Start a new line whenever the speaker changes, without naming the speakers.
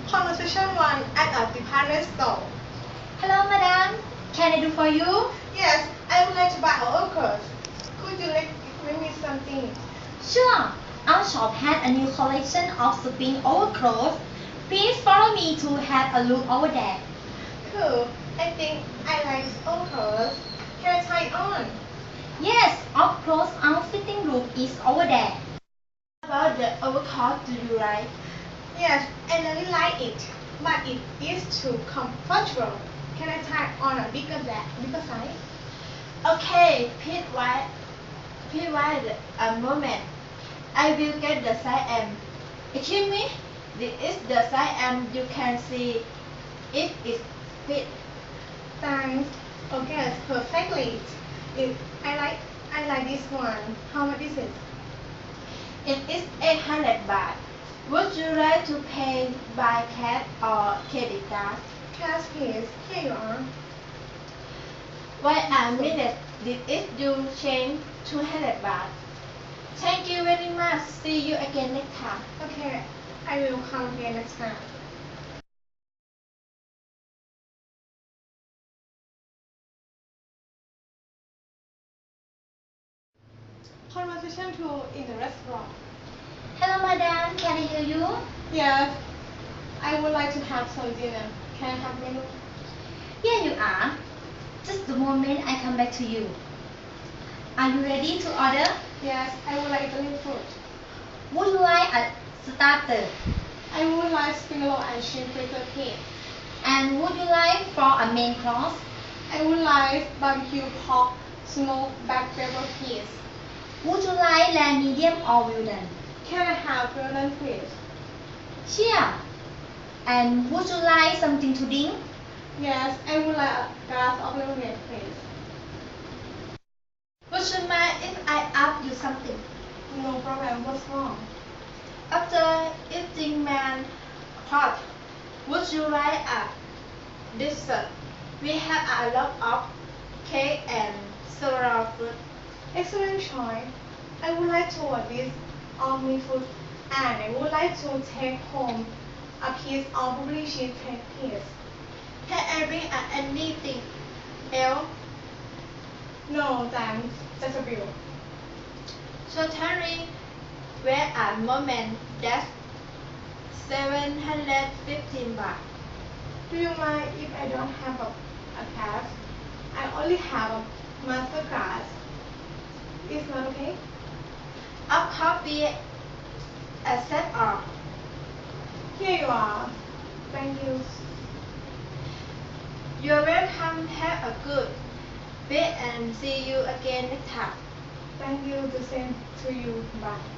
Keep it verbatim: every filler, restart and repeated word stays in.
Conversation one at a department store.
Hello, madam. Can I do for you?
Yes, I would like to buy our clothes. Could you recommend me something?
Sure. Our shop has a new collection of spring overclothes. Please follow me to have a look over there.
Cool. I think I like our clothes. Can I try it on?
Yes, of course, our fitting room is over there.
About the overcoat do you like?
Yes, I really like it, but it is too comfortable. Can I try on a bigger bag, bigger size?
Okay, please wait. Please wait a moment. I will get the size M. Excuse me, this is the size M. You can see it is fit.
Thanks. Okay, perfectly. It, I like I like this one. How much is it?
It is eight hundred baht. Would you like to pay by cash or credit card?
Cash, please. Here you are.
Wait a minute. This is you change two hundred baht. Thank you very much. See you again next time.
Okay, I will come again next time. Conversation two in the restaurant.
Hello, madam. Can I hear you?
Yes, I would like to have some dinner. Can I have menu?
Here you are. Just a moment, I come back to you. Are you ready to order?
Yes, I would like Italian food.
Would you like a starter?
I would like spring roll and shrimp fritter pea.
And would you like for a main course?
I would like barbecue pork, smoked black pepper peas.
Would you like lamb medium or well done?
Can I have well done, please?
Sure. And would you like something to drink?
Yes, I would like a glass of lemonade, please.
Would you mind if I ask you something?
No problem. What's wrong?
After eating man pot, would you like a dessert? We have a lot of cake and several fruit.
Excellent choice. I would like to order this all meat food, and I would like to take home a piece of blueberry cheesecake, please.
Can I bring uh, anything else?
No, thanks. That's a bill.
Certainly, wait a moment. That's seven hundred fifteen baht.
Do you mind if I don't have a, a cash? I only have a Mastercard. Is that okay?
Of coffee, accept all.
Here you are. Thank you.
You're welcome. Have a good day and see you again next time.
Thank you. The same to you. Bye.